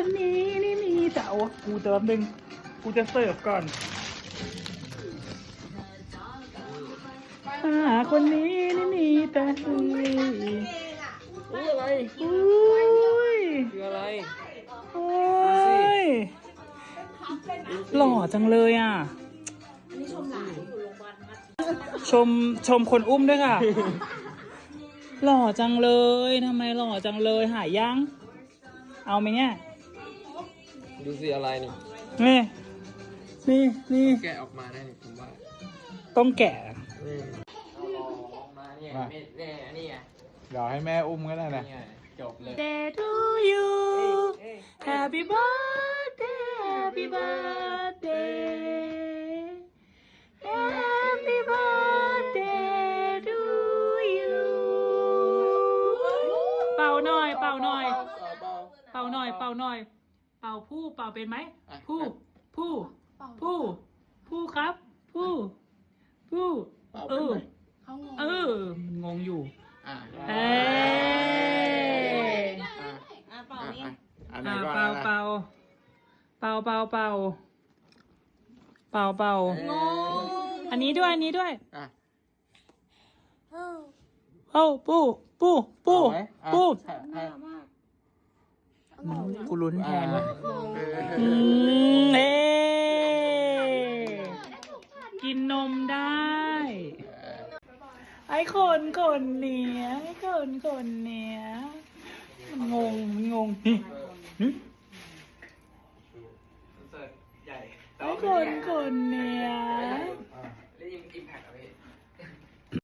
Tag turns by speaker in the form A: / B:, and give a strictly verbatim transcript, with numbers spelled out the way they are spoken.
A: คนนี้นี่มีแต่เอากูจะแป๊บนึงกูจะเสิร์ฟก่อนหาคนนี้นี่มีแต่อุ้ยอุ้ยอะไรอุ้ย
B: คืออะไร
A: โอ้ยหล่อจังเลยอ่ะชมชมคนอุ้มด้วยค่ะ หล่อจังเลยทำไมหล่อจังเลยหายยัง เอาไหมเนี่ย
B: ดูสิอะไรนี่
A: นี่นี่นี่
B: แกะออกมาได้นี่ผมว่า
A: ต้องแกะ
B: อืมเอาออกมาเนี่ยไม่เนี่ยนี่ไง
C: เดี๋ยวให้แม่อุ้มก็ได้นะ
B: นี่ไงจบเลย
A: Day to you Happy birthday Happy birthday Happy birthday to you เป่าหน่อยเป่าหน่อยเป่าหน่อยเป่าหน่อยเป่าผู้เป่าเป็นไหมผู้ผู้ผู้ผู้ครับผู้ผู้เออเอองงอยู่
C: อ่ะ
A: เอ้ย
C: อ่ะเป่านี่อันไหน
A: อ่า
C: ก่อน
A: เป่า
C: นะ
A: เป่าเป่าเป่าเป่าเป่าเป่าอันนี้ด้วยอันนี้ด้วย
C: อ่ะ
A: โอ้ปูปูปู
C: เอาไหมอ่ะ
A: ปู
C: ให้ให้
A: กูลุ้นแทน
C: อ่ะ
A: อืมเอ๊กินนมได้ ไอ้คนคนเนี้ยไอ้คนคนเนี้ยมันงงมันงงนี่หึไอ้คนคนเนี้ย